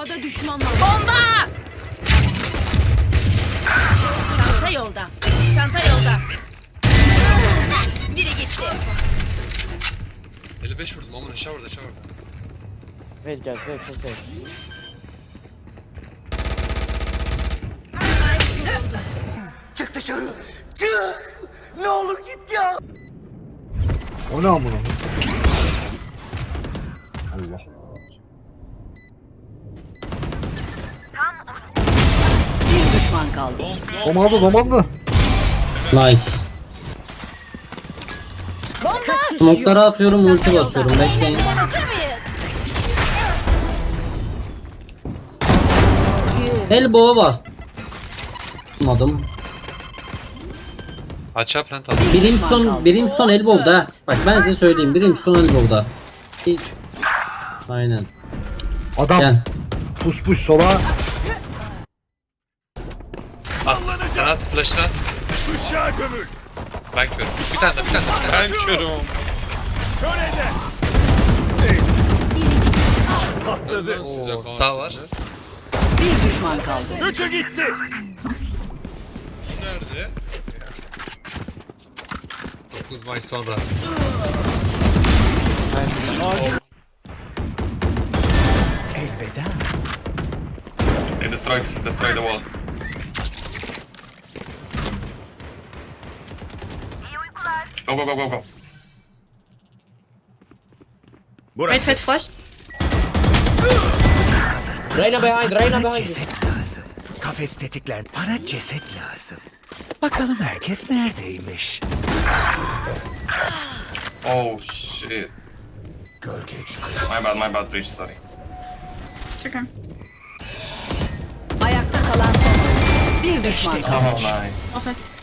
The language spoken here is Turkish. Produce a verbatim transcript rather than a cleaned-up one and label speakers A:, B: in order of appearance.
A: A'da düşman var. Bomba! Çanta yolda. Çanta yolda. Biri gitti.
B: elli beş vurdum ama aşağı vurdu aşağı vurdu.
C: Wait guys, wait, wait, wait.
D: Çık dışarı. Çık. Ne olur git ya.
E: O ne amına? Allah.
A: Bir düşman kaldı.
E: Zamanında zamanında.
F: Nice. Smoke'ları atıyorum, ulti basıyorum. Bekleyin.
A: Hazır mıyız?
F: Elbow'a bastım.
B: Açığa plant aldım.
F: Brimstone, Brimstone elbow'da. Ha. Bak ben size söyleyeyim. Brimstone elbow'da. Siz... Aynen.
E: Adam
F: Gel.
E: pus pus sola.
B: At. Sen at. Flash'ını at. Ben körüm. Bir tane daha bir tane daha. Ben körüm. Oo, sağ var.
A: Bir düşman kaldı.
B: Nerede? dokuz Mayıs sonra.
D: Elveda.
G: They destroyed, destroyed the wall. Go, go, go, go, go.
H: Wait, wait, flash.
C: Reyna behind, Reyna
D: Bana
C: behind.
D: ceset lazım. Kafes tetiklendi. Bana ceset lazım. Bakalım herkes neredeymiş?
G: Oh shit.
D: Gölge
G: My bad, my bad, breach, sorry.
H: It's okay.
A: Ayakta kalan son. Bir düşman kaldı.
G: Oh, nice.
H: Okay.